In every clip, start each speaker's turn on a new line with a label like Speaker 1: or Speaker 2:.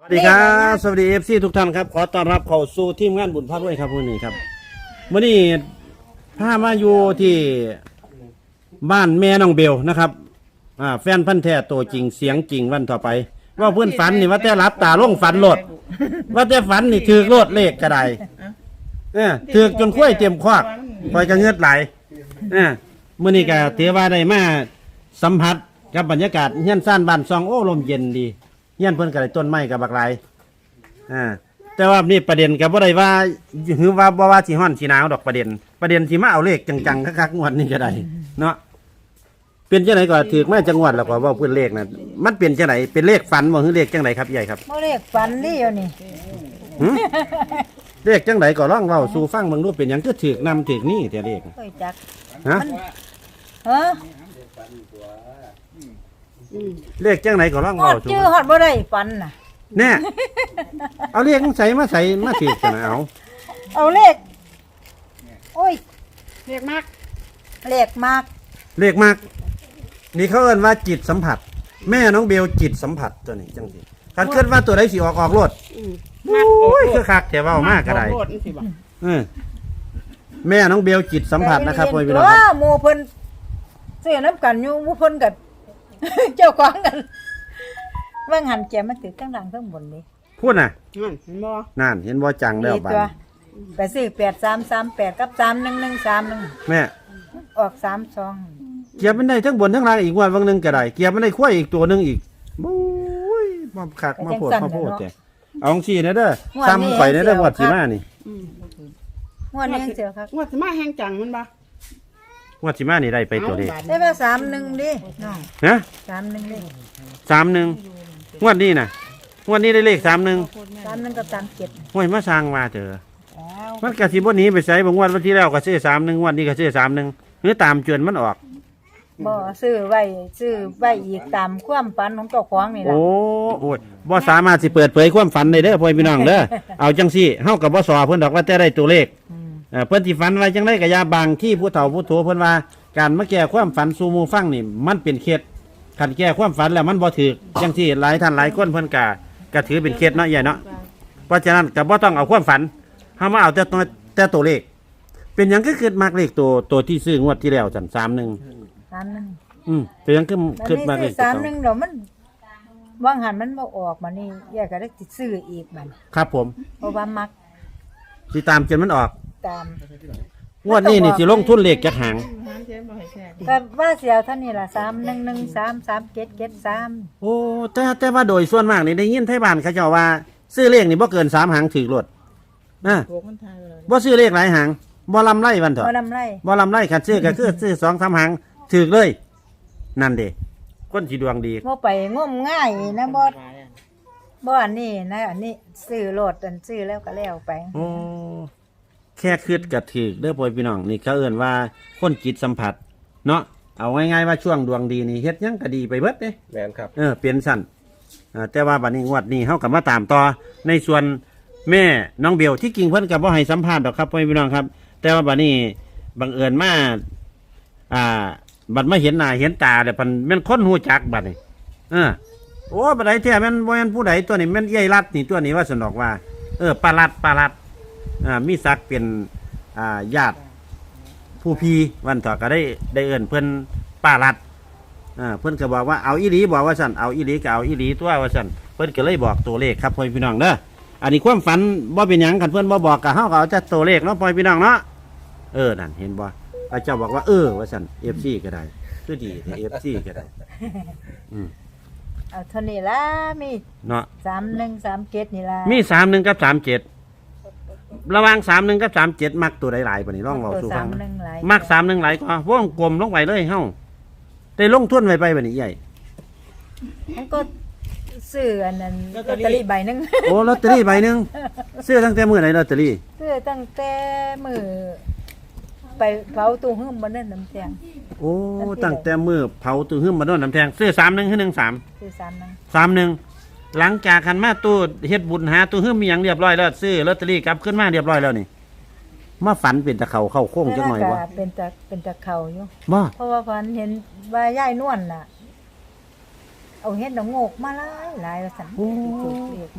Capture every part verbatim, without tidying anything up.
Speaker 1: สวัสดีครับสวัสดีเอฟซีทุกท่านครับขอต้อนรับเข้าสู่ทีมงานบุญพระด้วยครับวันนี้ครับวันนี้พามาอยู่ที่บ้านแม่น้องเบลนะครับอ่าแฟนพันธุ์แท้ตัวจริงเสียงจริงวันต่อไป ว่าเพื่อนฝันนี่ว่าแต่รับตาล่งฝันโหลดว่าแต่ฝันนี่ถือโลดเลขกระไดเนี่ยถือจนคุ้ยเต็มควักคอยกระเงือดไหลเนี่ยมื่อนี้ก็ถือว่าได้มาสัมผัสกับบรรยากาศเฮียนซ่านบ้านซองโอ้ลมเย็นดีเฮียนเพิ่นก็ได้ต้นไม้กับบักไหลอ่าแต่ว่านี่ประเด็นกับว่าได้ว่าหือว่าบ่ว่าสิฮ้อนสิหนาวดอกประเด็นประเด็นสิมาเอาเลขจังๆคักๆงวดนี้ก็ได้เนาะเป็นจังไหนก็ถือมาจังหวัดแล้วก็ว่าเพิ่นเลขน่ะมันเป็นจังไหนเป็นเลขฝันบ่คือเลขจังไหนครับใหญ่ครับ
Speaker 2: บ่เลขฝันนี่อยู่นี่
Speaker 1: หึเลขจังไหนก็ร้องเว้าสู่ฟังเบิ่งดูเป็นหยังคือถือนำถือนี่แต่เลข
Speaker 2: เคยจัก
Speaker 1: ฮะ
Speaker 2: เฮ้อ
Speaker 1: เลขจังไหนก็ร้อง
Speaker 2: ฮอ
Speaker 1: เว้า
Speaker 2: ด
Speaker 1: สู่
Speaker 2: ชื่อฮอดบ่ได้ฝันน่ะ
Speaker 1: แน่เอาเลขใส่มาใส่มาถือกันเอา
Speaker 2: เอาเลขโอ้ย
Speaker 3: เรียกมาก
Speaker 2: เลขมาก
Speaker 1: เลขมากนี่เขาเอิ้นว่าจิตสัมผัส แม่น้องเบลจิตสัมผัสตัวนี้จังซี่คันคิดว่าตัวใดสิออกออกโลด
Speaker 3: มาก
Speaker 1: โอ้ยคือคักแต่เว้ามากก็ได้
Speaker 3: โคตรสิบ่ะ
Speaker 1: เออแม่น้องเบลจิตสัมผัสนะครับพ่อพี่น้อง
Speaker 2: ตัว
Speaker 1: ครับ
Speaker 2: หมู่เพิ่นซื้อน้ำกันอยู่หมู่เพิ่นก็ เจ้าของกันว่างหันแกมันติดทั้งหลังทั้งบนนี่
Speaker 1: พูดน่ะ
Speaker 3: นั่นเห็นบ่
Speaker 1: นั่นเห็นบ่จังแล้ว
Speaker 2: นี่
Speaker 1: บัด
Speaker 2: ตัวไปซื้อแปดสามสามแปดกับสามหนึ่งหนึ่งสามหนึ่ง
Speaker 1: แม่
Speaker 2: ออกสามสอง
Speaker 1: เกียบมันได้ทั้งบนทั้งล่างอีกวันวันหนึงก็ได้เกียบมันได้ควายอีกตัวหนึงอีกโอ้ยมาคักมาโพดมาโพดแต่เอาจังซี่นะเด้อซ้ำข่อยนะเด้อวัดสิมานี่
Speaker 3: อืม
Speaker 2: งวดนี้เสียครับ
Speaker 3: งวดสิมาแห้งจังมันบ่
Speaker 1: วัดสิมานี่ได้ไปตัวนี้
Speaker 3: เอาบาท
Speaker 2: ได้มาสามหนึ่งดิน้อง
Speaker 1: ฮะ
Speaker 2: สามหนึ่งดิ
Speaker 1: สามหนึ่งงวดนี้น่ะงวดนี้ได้เลขสามหนึ่ง
Speaker 2: สามหนึ่งกับสามเจ็ด
Speaker 1: ห้วยมาสร้างมาเถอะ
Speaker 2: แล้ว
Speaker 1: มันกะสิบ่หนีไปไสบางวันวันที่แล้วก็ซื้อสามหนึ่งวันนี้ก็ซื้อสามหนึ่งหรือตามจวนมันออก
Speaker 2: บ่ซื้อไว้ซื้อไว้อีกตามความฝันของเจ้าของนี่ล่ะ
Speaker 1: โอ้โอ้ยบ่สามารถสิเปิดเผยความฝันได้เด้อพ่อพี่น้องเด้อ เอาจังซี่เฮากับบ่สอเพิ่นดอกว่าแต่ได้ตัวเลข
Speaker 2: อืม
Speaker 1: เอ่อเพิ่นสิฝันไว้จังได๋ก็อย่าบางที่ผู้เฒ่าผู้โตเพิ่นว่าการมาแก้ความฝันสู่หมู่ฟังนี่มันเป็นเคล็ดคันแก้ความฝันแล้วมันบ่ถูกจังซี่หลายท่านหลายคนเพิ่นก็ก็ถือเป็นเคล็ดเนาะใหญ่เนาะเพราะฉะนั้นก็บ่ต้องเอาความฝันเฮามาเอาแต่ตัวแต่ตัวเลข เป็นหยังคือคิดมากเลขตัวตัวที่ซื้องวดที่แล้วจันสามหนึ่ง
Speaker 2: สามหนึ่ง
Speaker 1: อืมเป็นหยังคือ
Speaker 2: มัน
Speaker 1: คิดมากเล
Speaker 2: นี่
Speaker 1: ข
Speaker 2: ซื้อ
Speaker 1: ตัว
Speaker 2: สาม
Speaker 1: เก่า
Speaker 2: หนึ่งเดี๋ยวมันวางหันมันบ่ออกมานี่แยกก็ได้สิซื้ออีกมัน
Speaker 1: ครับผม
Speaker 2: เพราะว่ามัก
Speaker 1: สิตามจนมันออก
Speaker 2: ตาม
Speaker 1: งวดนี้นี่สิลงทุนเลขจักหาง
Speaker 3: หางเจ๊บ่ให้แท้
Speaker 2: ก็ว่าเสียวเท่านี้ล่ะสามหนึ่งหนึ่งสามสามเจ็ดเจ็ดสาม
Speaker 1: โอ้แต่แต่ว่าโดยส่วนมากนี่ได้ยินไทบ้านเขาเจ้าว่า ซื้อเลขนี่บ่เกินสามหางถือรถอ่ะ
Speaker 3: โกมันทายเลย
Speaker 1: บ่ซื้อเลขหลายหางบ่ลำไรวันเถอะ
Speaker 2: บ่นำไร
Speaker 1: บ่ลำไรคันซื้อก็คือซื้อสองสามหางถือเลย นั่นเด้คนสิดวงดี
Speaker 2: บ่ไปงมง่ายนะบ่บ่อันนี้นะอันนี้ซื้อโลดอันซื้อแล้วก็แล้วไป
Speaker 1: โอ้แค่คืดก็ถือเด้อพ่อพี่น้องนี่เขาเอิ้นว่าคนจิตสัมผัส เนาะเอาง่ายๆว่าช่วงดวงดีนี่เฮ็ดหยังก็ดีไปเบิดเด้
Speaker 4: แมนครับ
Speaker 1: เออเปลี่ยนสั้นอ่าแต่ว่าบัดนี้งวดนี้เฮากับมาตามต่อในส่วนแม่น้องเบลที่กิ่งเพิ่นกับว่าให้สัมภาษณ์ดอกครับพ่อพี่น้องครับ แต่ว่าบัดนี้บังเอิญมาอ่า บัดมาเห็นหน้าเห็นตาเดี๋ยวมันแม่นคนหูจักบัดนี้เออโอ้บัดใดแท้แม่นบ่แม่นผู้ใดตัวนี้แม่นเอี้ยรัดนี่ตัวนี้ว่าสนอกว่า เออปลารัดปลารัดอ่ามีศักดิ์เป็นอ่าญาติผู้พี่วันต่อก็ได้ได้เอิ้นเพิ่นป้ารัด อ่าเพื่อนก็บอกว่าเอาอีหลีบอกว่าสั่นเอาอีหลีก็เอาอีหลีตัวว่าสั่นเพื่อนก็เลยบอกตัวเลขครับพ่อพี่น้องเด้ออันนี้ความฝันบ่เป็นหยังกันเพื่อนบ่บอกกับเฮาก็เอาแต่ตัวเลขเนาะพ่อพี่น้องเนาะเออนั่นเห็นบ่พระเจ้าบอกว่าเออว่าสั่น เอฟ ซี ก็ได้คือดีแต่ เอฟ ซี ก็ได้อืม
Speaker 2: เอาเท่านี้ล่ะมี
Speaker 1: เนาะ
Speaker 2: สามหนึ่งสามเจ็ดนี่ล่ะ
Speaker 1: มีสามหนึ่งกับสามเจ็ดระหว่างสามหนึ่งกับสามเจ็ดมักตัวใดหลายปานนี้ลองเว้าสู่
Speaker 2: สา
Speaker 1: ฟัง
Speaker 2: มหนึ่งหลาย
Speaker 1: มักสามหนึ่งหลายกว่าวงกลมลงไปเลยเฮาได้ลงทุนไว้ไปบัดนี้ใหญ่
Speaker 2: มันก็ซื้ออันนั้นลอตเตอรี่ใบหนึง
Speaker 1: โอ้ลอตเตอรี่ใบหนึงซื้อตั้งแต่มื้อไหนลอตเตอรี่
Speaker 2: ซื้อตั้งแต่มือไปเผาตู้หื้มบ่นั่นน้ำแข็ง
Speaker 1: โอ้ตั้งแต่มือเผาตู้หึมมาโดนน้ำแทงซื้อสามหนึ่งคือหนึ่งสาม
Speaker 2: ซื้อสามหนึง
Speaker 1: สามหนึ่งหลังจากคันมาตู้เฮ็ดบุญหาตู้หึมมีอย่างเรียบร้อยแล้วซื้อลอตเตอรี่กลับขึ้นมาเรียบร้อยแล้วนี่มาฝันเป็นตะเขาเข้าโค้งจังหน่อย
Speaker 2: แต่
Speaker 1: บ่
Speaker 2: ว่าก็เป็นตะเป็นตะเข่าอยู่
Speaker 1: บ่
Speaker 2: เพราะว่าพันเห็นว่ายายนวลน่ะ เอาเฮ็ดดอกโงกมาหลายหลายว่าซั่นถูกเรียกบ่เนาะ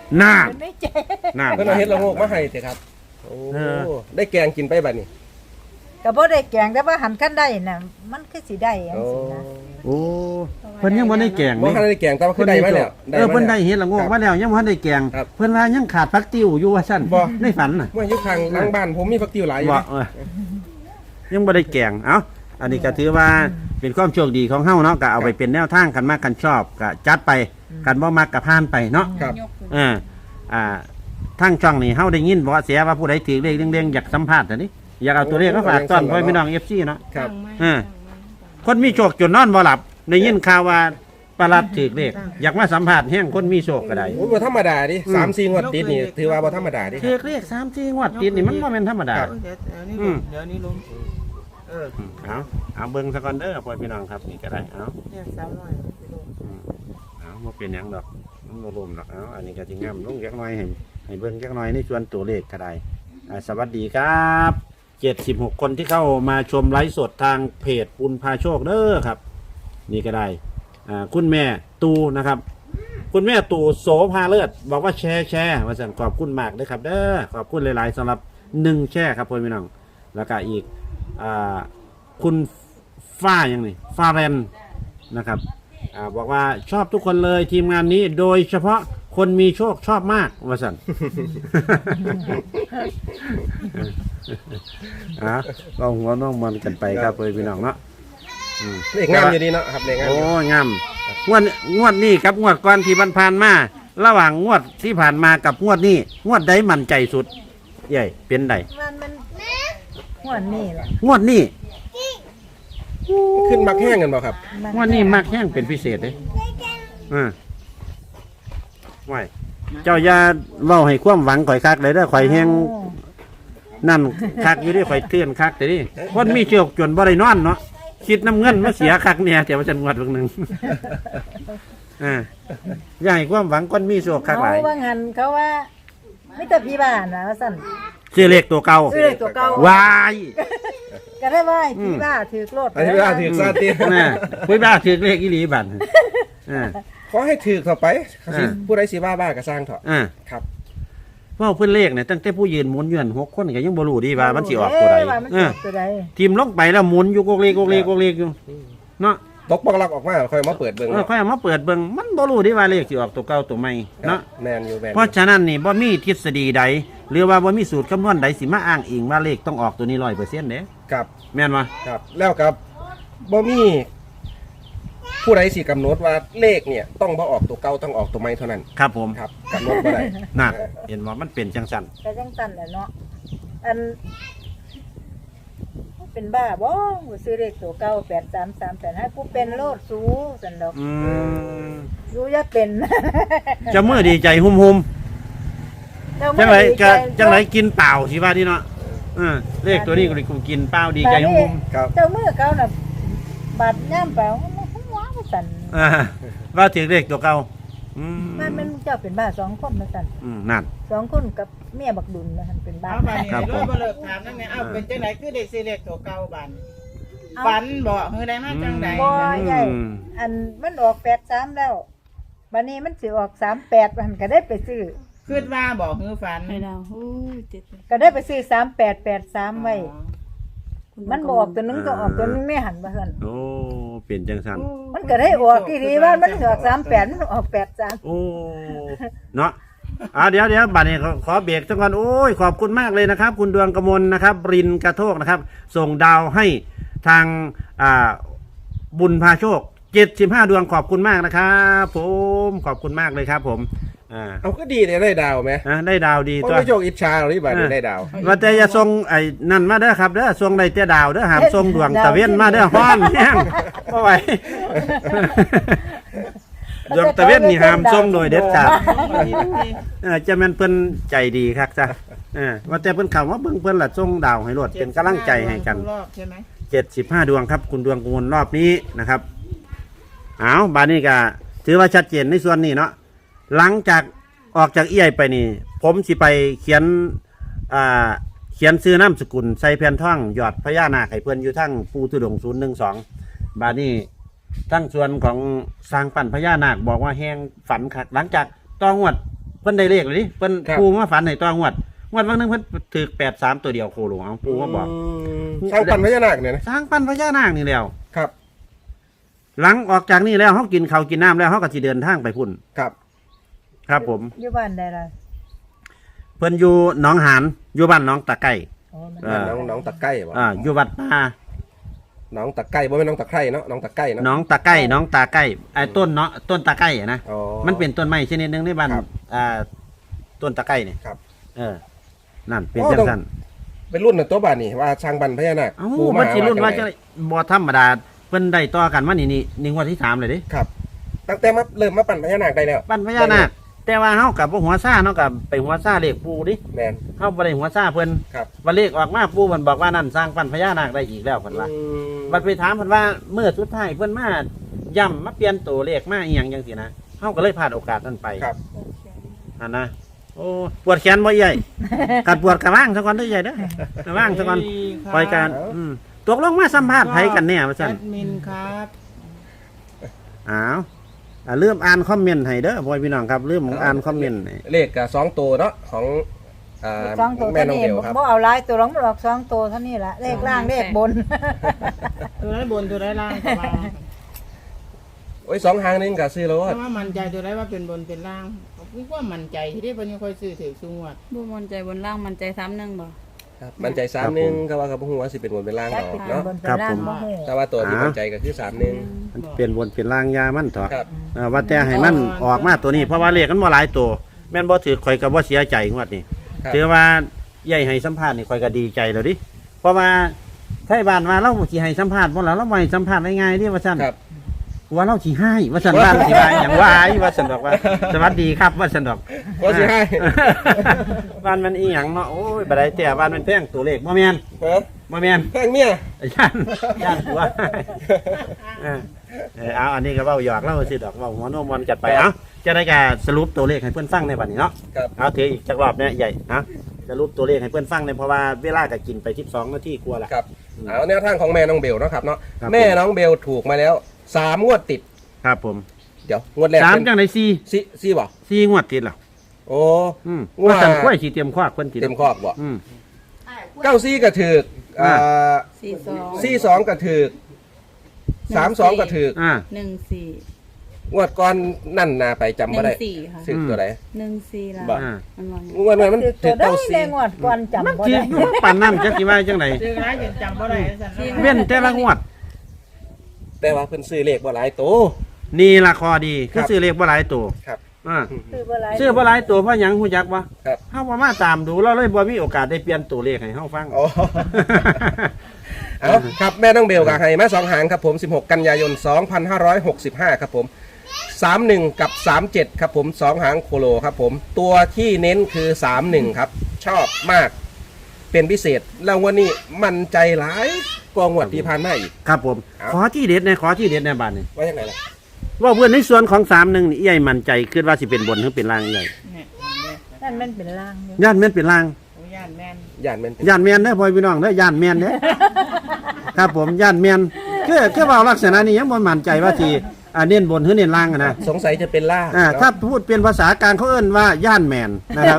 Speaker 1: น่า
Speaker 2: เป็นไม่ใจ
Speaker 1: น่า
Speaker 4: เพิ่นเอาเฮ็ดละโงกมาให้เถอะครับโอ้
Speaker 1: เออ
Speaker 4: ได้แกงกินไปบัดนี้
Speaker 2: ก็บ่ได้แกงแต่ว่าหันคันได้น่ะมันคือสิได้จัง
Speaker 4: โอ้
Speaker 2: ซี่นะ
Speaker 1: โอ้เพิ่นยังบ่ได้แกง
Speaker 4: บ่
Speaker 1: นี่
Speaker 4: ทันได้แกงแต่ว่าคือได้มาแล้ว
Speaker 1: เออเพิ่นได้
Speaker 4: มา
Speaker 1: เฮ็ดละโงกมาแล้วยังบ่ทันได้แกง
Speaker 4: ครับ
Speaker 1: เพิ่นว่ายังขาดผักติ้วอยู่ว่าซั่น
Speaker 4: บ่
Speaker 1: ในฝันน่ะ
Speaker 4: เมื่ออยู่ข้างหลังบ้านผมมีผักติ้วหลายอยู่
Speaker 1: บ่
Speaker 4: นะ
Speaker 1: เออยังบ่ได้แกงเอ้าอันนี้ก็ถือว่าเป็นความโชคดีของเฮาเนาะก็เอาไปเป็นแนวทางกันมากกันชอบก็จัดไปกันบ่มักก็ผ่านไปเนาะ
Speaker 4: ครับ
Speaker 1: เอออ่าทางช่องนี่เฮาได้ยินบ่เสียว่าผู้ใดถือเลขเด้งๆอยากสัมภาษณ์อันนี้อยากเอาตัวเลขมาฝากต้อนพ่อพี่น้อง เอฟ ซี เนาะ
Speaker 4: ครับ
Speaker 1: เออ คนมีโชคจนนอนบ่หลับได้ยินข่าวว่าประหลัดถือเลขอยากมาสัมภาษณ์แห่งคนมีโชคก็ได้
Speaker 4: โอ้ยบ่ธรรมดาดิ
Speaker 1: อืม
Speaker 4: สามสี่งวดติดนี่ถือว่าบ่ธรรมดาดิ
Speaker 1: ถือเลขสามสี่งวดติดนี่มันบ่แม่นธรรมดา
Speaker 4: ครับ
Speaker 3: เดี๋ยวเดี๋ยวนี้
Speaker 1: อื
Speaker 3: ล
Speaker 1: ม
Speaker 3: งเดี๋ยวนี้ลงเออ
Speaker 1: เอาเอาเบิ่งซะก่อนเด้อพ่อพี่น้องครับนี่ก็ได้เอา
Speaker 3: เนี่ยสามร้อยไปลง
Speaker 1: อืมเอาบ่เป็นหยังดอกมันบ่รวมดอกเอาอันนี้ก็สิงามลงจักหน่อยให้ให้เบิ่งจักหน่อยในส่วนตัวเลขก็ได้อ่าสวัสดีครับเจ็ดสิบหกคนที่เข้ามาชมไลฟ์สดทางเพจปุณพาโชคเด้อครับ นี่ก็ได้อ่าคุณแม่ตูนะครับ คุณแม่ตูโสภาเลิศบอกว่าแชร์แชร์มาสั่งขอบคุณมากเลยครับเด้อขอบคุณหลายๆสำหรับหนึ่งแชร์ครับพ่อพี่น้องแล้วก็อีกอ่าคุณฟ้ายังนี่ฟ้าแรนนะครับอ่าบอกว่าชอบทุกคนเลยทีมงานนี้โดยเฉพาะคนมีโชคชอบมากว่าสั่น อ่ะก็หัวน้องมันกันไปครับพ่อพี่น้องเนาะอืม
Speaker 4: เลขงามอยู่ดีเนาะครับเลขงาม
Speaker 1: โอ้
Speaker 4: อยู่
Speaker 1: งามงวดงวดนี้กับงวดก่อนที่ผ่านๆมาระหว่างงวดที่ผ่านมากับงวดนี้งวดใดมั่นใจสุดใหญ่เป็นใด
Speaker 2: มันมันหัวนี่แหละ
Speaker 1: งวดนี้
Speaker 4: ขึ้นมักแห้งกันบ่ครับ
Speaker 1: งวดนี้มากแห้งเป็นพิเศษเลยอ่าไว้เจ้าอย่าเว้าให้ความหวังข่อยคักเลยเด้อข่อยแห้ง
Speaker 2: โอ้
Speaker 1: นั่นคักอยู่ดิข่อยเตือนคักแต่ดิคนมีเชือกจนบ่ได้นอนเนาะคิดน้ำเงินมาเสียคักเนี่ยแต่ว่าจะงวดเบิ่งหนึง อ่าอย่าให้ความหวังคนมีโชคคักหลาย
Speaker 2: เขาว่างันเขาว่าไม่แต่พี่บ้านนะว่าสั่น
Speaker 1: ซื้อเลขตัวเก่า
Speaker 2: ซื้อเลขตัวเก่า
Speaker 1: วาย
Speaker 2: ก็ได้ว่าให้พี่บ้าถือโลด
Speaker 4: อันนี้เวลาถือซาติ
Speaker 1: น่ะคุยบ้าถือเลขอีหลีบัดอ่า
Speaker 4: ขอให้ถือเข้าไป
Speaker 1: อ่า
Speaker 4: ผู้ใดสิว่าบ้าก็สร้างเถอะ
Speaker 1: อ่า
Speaker 4: ครับ
Speaker 1: เว่าเพิ่นเลขเนี่ยตั้งแต่ผู้ยืนหมุนอยู่นั่นหกคนก็ยังบ่รู้ดีว่ามันสิออกตัวใด
Speaker 2: เอ้ยว่ามัน
Speaker 1: เอ
Speaker 2: สิอ
Speaker 1: อ
Speaker 2: อกตัวใด
Speaker 1: ทีมลงไปแล้วหมุนอยู่กกเลกกกเลกกกเลกอยู่เนาะ
Speaker 4: ตกปอกลักออกมาค่อยมาเปิดเบิ่ง
Speaker 1: เออค่อยเอามาเปิดเบิ่งมันบ่รู้ดีว่าเลขสิออกตัวเก่าตัวใหม่
Speaker 4: ครับ
Speaker 1: เนาะ
Speaker 4: แมนอยู่แมนอยู่
Speaker 1: เพราะฉะนั้นนี่บ่มีทฤษฎีใดหรือว่าบ่มีสูตรคำนวณใดสิมาอ้างอิงว่าเลขต้องออกตัวนี้ ร้อยเปอร์เซ็นต์ เด้
Speaker 4: ครับ
Speaker 1: แม่นบ่
Speaker 4: ครับแล้วกับบ่มีผู้ใดสิกำหนดว่าเลขเนี่ยต้องบ่ออกตัวเก่าต้องออกตัวใหม่เท่านั้น
Speaker 1: ครับผม
Speaker 4: ครับกำหนดบ่ได้
Speaker 1: น่ะเห็นว่ามันเป็นจังซั่น
Speaker 2: ก็จังสั่นแหละเนาะอันเป็นบ้าบ่กูซื้อเลขตัวเก่าแปดสามสามแปดห้ากูเป็นโลดสูสันดอก
Speaker 1: อืม
Speaker 2: รู้อย่าเป็น
Speaker 1: จะมื้อดีใจหุ่มๆจังไรจะจังไรกินเปล่าสิว่าที่เนาะเออเลขตัวนี้กูกินเปล่าดีใจหุ่ม
Speaker 4: ครับ
Speaker 2: เจ้ามือเขาน่ะบาดย่ามเปล่ามันว้าวสั่น
Speaker 1: ๆอ่าว่าถือเลขตัวเก่าอืม
Speaker 2: มันมันเจ้าเป็นบ้าสองคนมาสั่น
Speaker 1: อืมนั่น
Speaker 2: สองคนกับเมียบักดุลนะมันเป็นบ้า
Speaker 3: เอาบานนี้
Speaker 1: ครับผม
Speaker 3: ร้อยบ่เลิกถามนั่นไงเอาเป็นจังไหนคือได้ซื้อเลขตัวเก่าบานฝันบ่เฮือได้มาจังได
Speaker 2: บ่ใหญ่
Speaker 1: อืม
Speaker 2: อันมันออกแปดสามแล้วบัดนี้มันสิออกสามแปดมันก็ได้ไปซื้อ
Speaker 3: คิดว่าบ่เฮือฝัน
Speaker 5: ไม่ดาวโอ้ยเจ็ดเลย
Speaker 2: ก็ได้ไปซื้อสามแปดแปดสามไว้
Speaker 5: คุณ
Speaker 2: มันบออกตัวนึงก็ออกตัวนึงไม่หันมาสั่น
Speaker 1: โอ้เป็นจังสัน
Speaker 2: มันก็ได้ออกที่ดีว่ามันออกสามแปดมันออกแปดสาม
Speaker 1: โอ้เนาะอ่าเดี๋ยวเดี๋ยวบัดนี้ขอขอเบรกสักก่อนโอ้ยขอบคุณมากเลยนะครับ คุณดวงกมลนะครับ รินกระโทกนะครับ ส่งดาวให้ทางอ่าบุญพาโชคเจ็ดสิบห้าดวงขอบคุณมากนะครับผมขอบคุณมากเลยครับ ผมอ่า
Speaker 4: เอาก็ดีเลยได้ดาวไหม
Speaker 1: อ่ะได้ดาวดี
Speaker 4: เพ
Speaker 1: ตัว
Speaker 4: ราะไม่โจกอิจฉาหรอกที่บ้านนี้ได้ดาว
Speaker 1: ว่าแต่อย่าส่งไอ้นั่นมาเด้อครับเด้อส่งได้แต่ดาวเด้อห้ามส่งดวงตะเวนมาเด้อฮ้อนแห้งบ่ไหว ดวงตะเวนนี่ห้ามส่งโดยเด็ดขาดเออจะแม่นเพิ่นใจดีคักจ้ะเออว่าแต่เพิ่นเข้ามาเบิ่งเพิ่นล่ะส่งดาวให้โลดเป็นกำลังใจให้กัน
Speaker 3: รอบใช่ไหม
Speaker 1: เจ็ดสิบห้าดวงครับ คุณดวงกมลรอบนี้นะครับเอาบานนี้ก็ถือว่าชัดเจนในส่วนนี้เนาะหลังจากออกจากเอี้ยไปนี่ ผมสิไปเขียนอ่าเขียนซื้อนามสกุลใส่แผ่นท่องหยอดพญานาคให้เพื่อนอยู่ทั้งปูทุดงศูนย์หนึ่งสองบานนี้ทั้งส่วนของสร้างปั่นพญานาคบอกว่าแห้งฝันคักหลังจากต้องวดเพิ่นได้เลขเลยดิเพิ่น
Speaker 4: ครับ
Speaker 1: ปูมาฝันให้ตัวงวดงวดวันหนึงเพิ่นถือแปดสามตัวเดียวโคโลเอาปูมาบอก
Speaker 4: มสร้างปันพญานาคเนี่ยนะ
Speaker 1: สร้างปั้นพญานาคนี่แล้ว
Speaker 4: ครับ
Speaker 1: หลังออกจากนี่แล้วเฮากินข้าวกินน้ำแล้วเฮาก็สิเดินทางไปพุ่น
Speaker 4: ครับ
Speaker 1: ครับผม
Speaker 2: อยู่บ้านใดล่ะ
Speaker 1: เพิ่นอยู่หนองหานอยู่บ้านหนองตะไก่
Speaker 2: อ๋อมัน
Speaker 1: อ่า
Speaker 4: น้องน้องตะไก่บ่
Speaker 1: อ่าอยู่วัดป่า
Speaker 4: น้องตะไก่บ่แม่นน้องตะไคร่เนาะน้องตะไก่เนาะ
Speaker 1: หนองตะไก่หนองตาไก่ไอ้ต้นเนาะต้นตะไก่อะนะ
Speaker 4: อ๋อ
Speaker 1: มันเป็นต้นไม้ชนิดหนึงในบ้าน
Speaker 4: ครับ
Speaker 1: อ่าต้นตะไก่นี่
Speaker 4: ครับ
Speaker 1: เออนั่นเป็น
Speaker 4: โอ้
Speaker 1: จัง
Speaker 4: ต้อง
Speaker 1: ซั่น
Speaker 4: เป็นรุ่นน่ะตัวบ้านนี่ว่าช่างปันพญานาค
Speaker 1: เอ้า
Speaker 4: ปู่
Speaker 1: มันสิรุ่นว่า
Speaker 4: จั
Speaker 1: จะ
Speaker 4: งได๋
Speaker 1: บ่ธรรมดาเพิ่นได้ต่อกันมานี่นี่นี่งวดที่สามเลยเด้
Speaker 4: ครับ ตั้งแต่มาเริ่มมาปั่นพญานาคได้แล้ว
Speaker 1: ปั้นพญานาคแต่ว่าเฮากับบ่หัวซ่าเนาะกับไปหัวซ่าเลขปูดิ
Speaker 4: แมน
Speaker 1: เฮาบ่ได้หัวซ่าเพิ่น
Speaker 4: ครับ
Speaker 1: ว่าเลขออกมาปูเพิ่นบอกว่านั่นสร้างปั้นพญานาคได้อีกแล้วเพิ่นว่า
Speaker 4: อืม
Speaker 1: บัดไปถามเพิ่นว่าเมื่อสุดท้ายเพิ่นมาย่ำมาเปลี่ยนตัวเลขมาอีหยังจังซี่นะเฮาก็เลยพลาดโอกาสนั้นไป
Speaker 4: ครับ
Speaker 1: อันนะโอ้ปวดแขนบ่ใหญ่กัดปวดกระว่างซะก่อนเด้อใหญ่เด้อกระว่างซะก่อนปล่อยการอืมตกลงมาสัมภาษณ์ไผกันแน่ว่า
Speaker 3: แอ
Speaker 1: ซั่น
Speaker 3: ดมินครับ
Speaker 1: อ้าวอ่าลืมอ่านคอมเมนต์ให้เด้อพ่อพี่น้องครับลืมอ่านคอมเมนต์ให้
Speaker 4: เลขกับสองตัวเนาะของอ่า
Speaker 2: สองตัว
Speaker 4: แม่
Speaker 2: เท่า
Speaker 4: น้อง
Speaker 2: นี้
Speaker 4: เบลครับ
Speaker 2: บ่เอาหลายตัวหรอกมันออกสองตัวเท่านี้ละเลขล่างเลขบน
Speaker 3: ตัวได้บนตัวได้ล่างก็ว่า
Speaker 4: โอ้ยสองหางนึงกับซื้อแล้ว
Speaker 3: แต่ว่ามันใจตัวได้ว่าเป็นบนเป็นล่างผมว่ามันใจที่ได้เพิ่นยังค่อยซื้อถือสูงวัด
Speaker 5: บ่มั่นใจบนล่างมั่นใจซ้ำหนึงบ่
Speaker 4: ครับมันใจสามหนึงก็ว่ากับหัวาสิเป็นบนเป็นล่าง
Speaker 2: จัก
Speaker 4: ดอ
Speaker 2: เป็
Speaker 4: ก
Speaker 2: น
Speaker 4: เนาะ
Speaker 2: บนเป็นล่างบ่ฮู้
Speaker 4: แต่ว่าตัวที่มันใจก็คือสามหนึง
Speaker 1: มันเปลี่ยนบนเปลี่ยนล่างยามันเถอะ
Speaker 4: ครับ
Speaker 1: อ่าว่าแต่ให้มันออกมาตัวนี้เพราะว่าเลขมันบ่หลายตัวแม่นบ่ถือข่อยก็บ่เสียใจงวดนี้
Speaker 4: ครับ
Speaker 1: ถือว่าใหญ่ให้สัมภาษณ์นี่ข่อยก็ดีใจแล้วดิเพราะว่าไทบ้านว่าเราสิให้สัมภาษณ์บ่ล่ะเราบ่ให้สัมภาษณ์ง่ายๆดิว่าซั่น
Speaker 4: ครับ
Speaker 1: ว่าเราสิให้ว่าซั่นว่าสิว่าหยังว่าอีว่าซั่นดอกว่าสวัสดีครับว่าซั่นดอก
Speaker 4: ว่าสิให้
Speaker 1: บ้านมันอีหยังเนาะโอ้ยบ่ได้แต่บ้านมันแพงตัวเลขบ่แม่น
Speaker 4: ฮะ
Speaker 1: บ่แม่น
Speaker 4: แพงเมีย
Speaker 1: ย่านย่านตัวเออเออเอาอันนี้ก็เว้าหยอกเล่าสิดอกเว้าหัวโนมอนจัดไปเอ้าจะได้การสรุปตัวเลขให้เพื่อนฟังในบัดนี้เนาะ
Speaker 4: ครับ
Speaker 1: เอาถืออีกจักรอบเนี่ยใหญ่นะสรุปตัวเลขให้เพื่อนฟังในเพราะว่าเวลาก็กินไปสิบสองนาทีกลัวาละ
Speaker 4: ครับเอาแนวทางของแม่น้องเบลเนาะครับเนาะ
Speaker 1: ครับ
Speaker 4: แม่น้องเบลถูกมาแล้วสามงวดติด
Speaker 1: ครับผม
Speaker 4: เดี๋ยวงวดแรก
Speaker 1: สาม
Speaker 4: เป็น
Speaker 1: จังไดสี่
Speaker 4: สี่สี่บ่
Speaker 1: สี่งวดติดแล้ว
Speaker 4: โอ้
Speaker 1: อืม
Speaker 4: ว่า
Speaker 1: ว่าสั่นกล้วยสีเตรียมควักเพิ่นติด
Speaker 4: เต็มคอกบ่
Speaker 1: อืม
Speaker 4: เก้าซี่กระถือกอ่า
Speaker 5: สี่สอง
Speaker 4: ซี่สองกระถือกสามสองกระถือก
Speaker 1: อ่า
Speaker 5: หนึ่งสี่
Speaker 4: งวดก่อนนั่นนาไปจำ
Speaker 5: ห
Speaker 4: บ่
Speaker 5: นึ่
Speaker 4: ได้
Speaker 5: งสี่ค่ะ
Speaker 4: สึกตัวไหน
Speaker 5: หนึ่งสี่ละ
Speaker 4: บ่
Speaker 1: อ่า
Speaker 5: มันว่าไง
Speaker 4: งวดนั้นมัน
Speaker 2: คือ
Speaker 4: ถื
Speaker 2: ตั
Speaker 4: อ
Speaker 2: วได้
Speaker 4: เก้า
Speaker 2: ใน
Speaker 4: ซี่
Speaker 2: งวดก่อนจำ
Speaker 1: มัน
Speaker 2: บ่
Speaker 1: ถือ
Speaker 2: ได้
Speaker 1: อยู่ปานนั้นจักสิว่าจังได
Speaker 3: ซื้อร้ายจนจำบ่ได้สั่น
Speaker 1: เว้นแต่ละงวด
Speaker 4: แต่ว่าเพิ่นซื้อเลขบ่หลายตัว
Speaker 1: นี่ละคอดีคือ
Speaker 4: ครับ
Speaker 1: ซื้อเลขบ่หลายตัว
Speaker 4: ครับ
Speaker 1: อ่า
Speaker 2: ซื้อบ่หลาย
Speaker 1: ซื้อบ่หลายตัวเพราะหยังฮู้จักบ่
Speaker 4: ครับ
Speaker 1: เฮาบ่มาตามดูเราเลยบ่มีโอกาสได้เปลี่ยนตัวเลขให้เฮาฟัง
Speaker 4: โอ้ เอาครับแม่น้องเบลกับไฮมาสองหางครับผมสิบหกกันยายนสองพันห้าร้อยหกสิบห้าครับผมสามหนึ่งกับสามเจ็ดครับผมสองหางโคโลครับผมตัวที่เน้นคือสามหนึ่งครับ ชอบมากเป็นพิเศษแล้ววันนี้มันใจร้ายกองวดที่ผ่านมาอีก
Speaker 1: ครับผม
Speaker 4: เอา
Speaker 1: ขอที่เด็ดในขอที่เด็ดในบ้านนี่
Speaker 4: ว่าอย่างไรล่ะ
Speaker 1: ว่าเพื่อนในส่วนของสามหนึ่งนี่ใหญ่มั่นใจคิดว่าสิเป็นบนหรือเป็นล่างใหญ่
Speaker 3: เนี่ย
Speaker 2: นั่นมันเป็นล่างอยู่
Speaker 1: ย่านแม่นเป็นล่าง
Speaker 3: โอ้ย่านแม่น
Speaker 4: ย่านแมันเป็น
Speaker 1: ย่านแม่นเด้อพ่อพี่น้องเด้อย่านแม่นเด้อ ครับผมย่านแม่นคือคือเว่าลักษณะนี้ยังบ่มั่นใจว่าสิอ่าเน้นบนหรือเน้นล่างอะนะ
Speaker 4: สงสัยจะเป็นล่า
Speaker 1: อ่า
Speaker 4: เนะ
Speaker 1: ถ้าพูดเป็นภาษากลางเขาเอิ้นว่าย่านแม่นนะครับ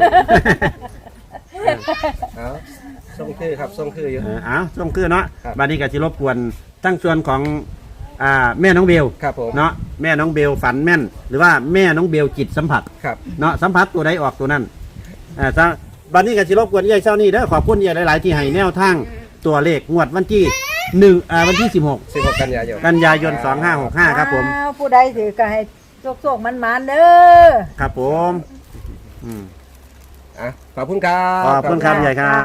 Speaker 4: เอาส่งคือครับส่งคืออยู่
Speaker 1: เออเอาส่งคือเนาะ
Speaker 4: ครับ
Speaker 1: บัดนี้ก็สิรบกวนทั้งส่วนของอ่าแม่น้องเบล
Speaker 4: ครับผม
Speaker 1: เนาะแม่น้องเบลฝันแม่น หรือว่าแม่น้องเบลจิตสัมผัส
Speaker 4: ครับ
Speaker 1: เนาะสัมผัสตัวใดออกตัวนั้นอ่าซะบัดนี้ก็สิรบกวนยายเช้านี้เด้อขอบคุณยายหลาย ๆ ที่ให้แนวทางตัวเลขงวดวันที่หนึ่งอ่าวันที่สิบหก
Speaker 4: สิบหกกันยายน
Speaker 1: กันยายนสองห้าหกห้าครับผม
Speaker 2: อ้าวผู้ใดถือก็ให้โชคๆมันๆเด้อ
Speaker 1: ครับผมอืม
Speaker 4: อ่ะขอบคุณครับ
Speaker 1: ขอบคุณครับยายครับ